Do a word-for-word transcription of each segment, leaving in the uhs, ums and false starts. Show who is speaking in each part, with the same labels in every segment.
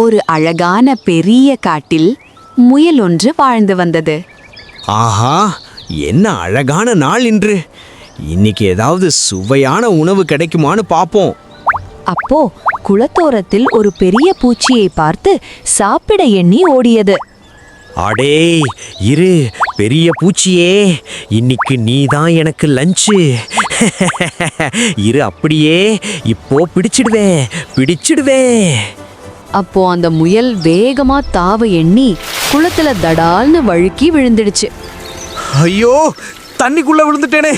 Speaker 1: ஒரு அழகான பெரிய காட்டில் முயல் ஒன்று வாழ்ந்து வந்தது.
Speaker 2: ஆஹா, என்ன அழகான நாள் இன்று! இன்னைக்கு ஏதாவது சுவையான உணவு கிடைக்குமான்னு பாப்போம்.
Speaker 1: அப்போ குளத்தோரத்தில் ஒரு பெரிய பூச்சியை பார்த்து சாப்பிட எண்ணி ஓடியது.
Speaker 2: அடே இரு பெரிய பூச்சியே, இன்னைக்கு நீ தான் எனக்கு லஞ்சு. இரு அப்படியே இப்போ பிடிச்சிடுவேன் பிடிச்சிடுவேன்
Speaker 1: அப்போ அந்த முயல் வேகமா தாவ எண்ணி குளத்துல தடால்னு வழுக்கி விழுந்துடுச்சு.
Speaker 2: ஐயோ, தண்ணிக்குள்ள விழுந்துட்டேனே!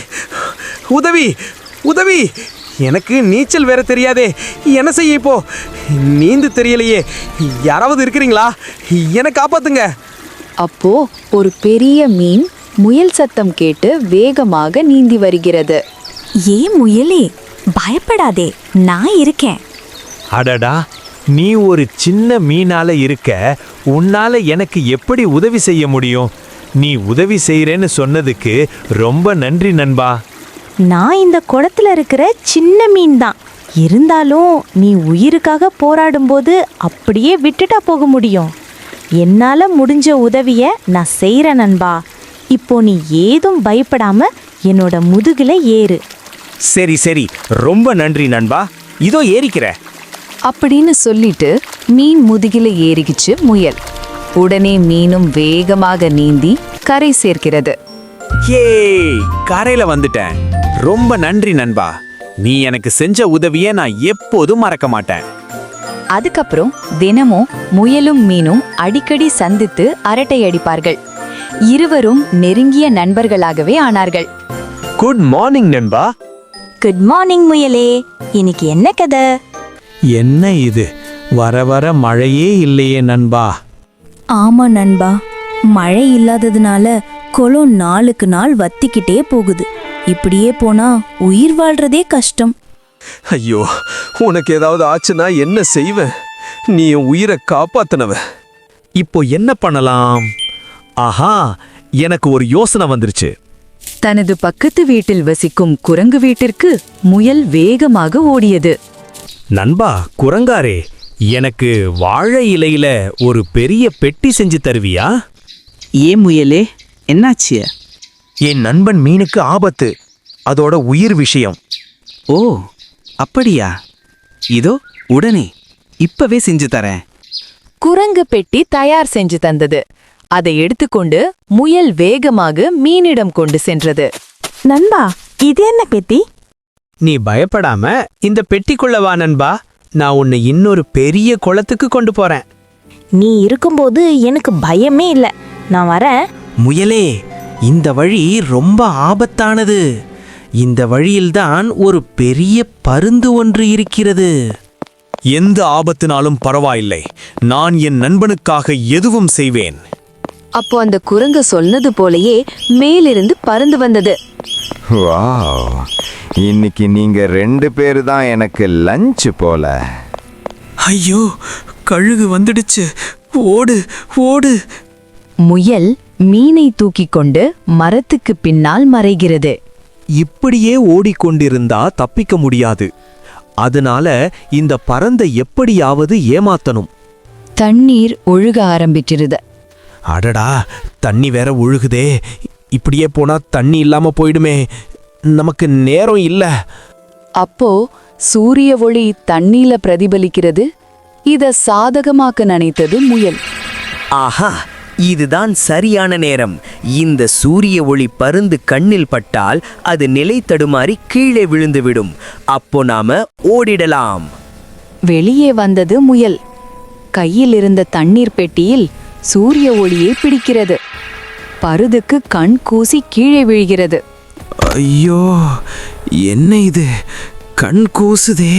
Speaker 2: உதவி உதவி! எனக்கு நீச்சல் வேற தெரியாதே, என்ன செய்ய இப்போ? நீந்து தெரியலையே, யாராவது இருக்கிறீங்களா? என்னை காப்பாத்துங்க.
Speaker 1: அப்போ ஒரு பெரிய மீன் முயல் சத்தம் கேட்டு வேகமாக நீந்தி வருகிறது.
Speaker 3: ஏ முயலே, பயப்படாதே, நான் இருக்கேன்.
Speaker 4: அடடா, நீ ஒரு சின்ன மீனால இருக்க, உன்னால எனக்கு எப்படி உதவி செய்ய முடியும்? நீ உதவி செய்யறேன்னு சொன்னதுக்கு ரொம்ப நன்றி நண்பா.
Speaker 3: நான் இந்த குளத்துல இருக்கிற சின்ன மீன் தான். இருந்தாலும் நீ உயிருக்காக போராடும்போது அப்படியே விட்டுட்டா போக முடியும்? என்னால முடிஞ்ச உதவிய நான் செய்யறேன் நண்பா. இப்போ நீ ஏதும் பயப்படாம என்னோட முதுகுல ஏறு.
Speaker 2: சரி சரி, ரொம்ப நன்றி நண்பா, இதோ ஏறிக்கிற
Speaker 1: அப்படின்னு சொல்லிட்டு மீன் முதுகில ஏறிக்கிச்சு முயல். உடனே மீனும் வேகமாக நீந்தி கரை சேர்க்கிறது.
Speaker 2: ஏ, கரையில வந்துட்டேன். ரொம்ப நன்றி நண்பா, நீ எனக்கு செஞ்ச உதவியை நான் எப்போதும் மறக்க மாட்டேன்.
Speaker 1: அதுக்கப்புறம் தினமும் முயலும் மீனும் அடிக்கடி சந்தித்து அரட்டை அடிப்பார்கள். இருவரும் நெருங்கிய நண்பர்களாகவே ஆனார்கள்.
Speaker 4: குட் மார்னிங் நண்பா.
Speaker 3: குட் மார்னிங் முயலே, இன்னைக்கு என்ன கதை?
Speaker 4: என்ன இது, வர வர மழையே இல்லையே நண்பா.
Speaker 3: ஆமா நண்பா, மழை இல்லாததுனால குளம் நாளுக்கு நாள் வத்திக்கிட்டே போகுது. இப்படியே போனா உயிர் வாழ்றதே கஷ்டம்.
Speaker 5: ஐயோ, உனக்கு ஏதாவது ஆச்சுன்னா என்ன செய்வேன்? நீ என் உயிரை காப்பாத்தினவ.
Speaker 2: இப்போ என்ன பண்ணலாம்? ஆஹா, எனக்கு ஒரு யோசனை வந்துருச்சு.
Speaker 1: தனது பக்கத்து வீட்டில் வசிக்கும் குரங்கு வீட்டிற்கு முயல் வேகமாக ஓடியது.
Speaker 2: நண்பா குரங்காரே, எனக்கு வாழை இலையில ஒரு பெரிய பெட்டி செஞ்சு தருவியா?
Speaker 6: ஏன் முயலே, என்னாச்சு?
Speaker 7: என் நண்பன் மீனுக்கு ஆபத்து, அதோட உயிர் விஷயம்.
Speaker 6: ஓ அப்படியா? இதோ உடனே இப்பவே செஞ்சு தரேன்.
Speaker 1: குரங்கு பெட்டி தயார் செஞ்சு தந்தது. அதை எடுத்துக்கொண்டு முயல் வேகமாக மீனிடம் கொண்டு சென்றது.
Speaker 3: நண்பா, இது என்ன பெட்டி?
Speaker 2: நீ பயப்படாம இந்த பெட்டிக்குள்ள வா நண்பா, நான் உன்னை இன்னொரு பெரிய குளத்துக்கு கொண்டு போறேன்.
Speaker 3: நீ இருக்கும்போது எனக்கு பயமே இல்லை, நான் வரேன்.
Speaker 7: முயலே, இந்த வழி ரொம்ப ஆபத்தானது. இந்த வழியில்தான் ஒரு பெரிய பருந்து ஒன்று இருக்கிறது.
Speaker 2: எந்த ஆபத்தினாலும் பரவாயில்லை, நான் என் நண்பனுக்காக எதுவும் செய்வேன்.
Speaker 1: அப்போ அந்த குரங்கு சொன்னது போலயே மேலிருந்து பறந்து வந்தது.
Speaker 8: வாவ், இன்னைக்கு நீங்க ரெண்டு பேரு தான் எனக்கு லஞ்ச் போல.
Speaker 2: ஐயோ, கழுகு வந்துடுச்சு, ஓடு ஓடு!
Speaker 1: முயல் மீனை தூக்கிக் கொண்டு மரத்துக்கு பின்னால் மறைகிறது.
Speaker 2: இப்படியே ஓடிக்கொண்டிருந்தா தப்பிக்க முடியாது. அதனால இந்த பறந்தை எப்படியாவது ஏமாத்தணும்.
Speaker 1: தண்ணீர் ஒழுக ஆரம்பிச்சிருது.
Speaker 2: அடடா, தண்ணி வேற ஒழுகுதே. இப்படியே போனா தண்ணி இல்லாம போயிடுமே, நமக்கு நேரம் இல்ல.
Speaker 1: அப்போ சூரிய ஒளி தண்ணீல பிரதிபலிக்கிறது. இத சாதகமாக்க நினைத்தது முயல்.
Speaker 7: ஆஹா, இதுதான் சரியான நேரம். இந்த சூரிய ஒளி பருந்து கண்ணில் பட்டால் அது நிலை தடுமாறி கீழே விழுந்துவிடும். அப்போ நாம ஓடிடலாம்.
Speaker 1: வெளியே வந்தது முயல். கையில் இருந்த தண்ணீர் பெட்டியில் சூரிய ஒளியை பிடிக்கிறது. பருதுக்கு கண் கூசி கீழே விழுகிறது.
Speaker 5: ஐயோ, என்ன இது, கண் கூசுதே.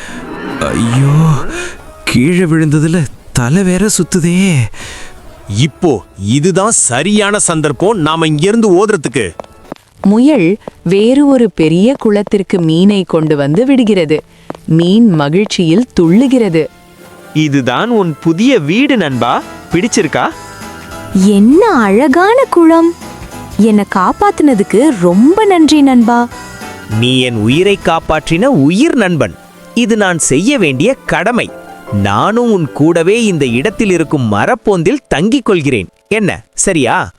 Speaker 5: ஐயோ, கீழே விழுந்ததுல தலை வேற சுத்துதே.
Speaker 2: இப்போ இதுதான் சரியான சந்தர்ப்பம் நாம இங்கிருந்து ஓதுறதுக்கு.
Speaker 1: முயல் வேறு ஒரு பெரிய குளத்திற்கு மீனை கொண்டு வந்து விடுகிறது. மீன் மகிழ்ச்சியில் துள்ளுகிறது.
Speaker 4: இதுதான் உன் புதிய வீடு நண்பா, பிடிச்சிருக்கா?
Speaker 3: என்ன அழகான குளம்! என்னை காப்பாத்துனதுக்கு ரொம்ப நன்றி நண்பா.
Speaker 7: நீ என் உயிரை காப்பாற்றின உயிர் நண்பன். இது நான் செய்ய வேண்டிய கடமை.
Speaker 2: நானும் உன் கூடவே இந்த இடத்தில் இருக்கும் மரப்பொந்தில் தங்கிக் கொள்கிறேன் என்ன சரியா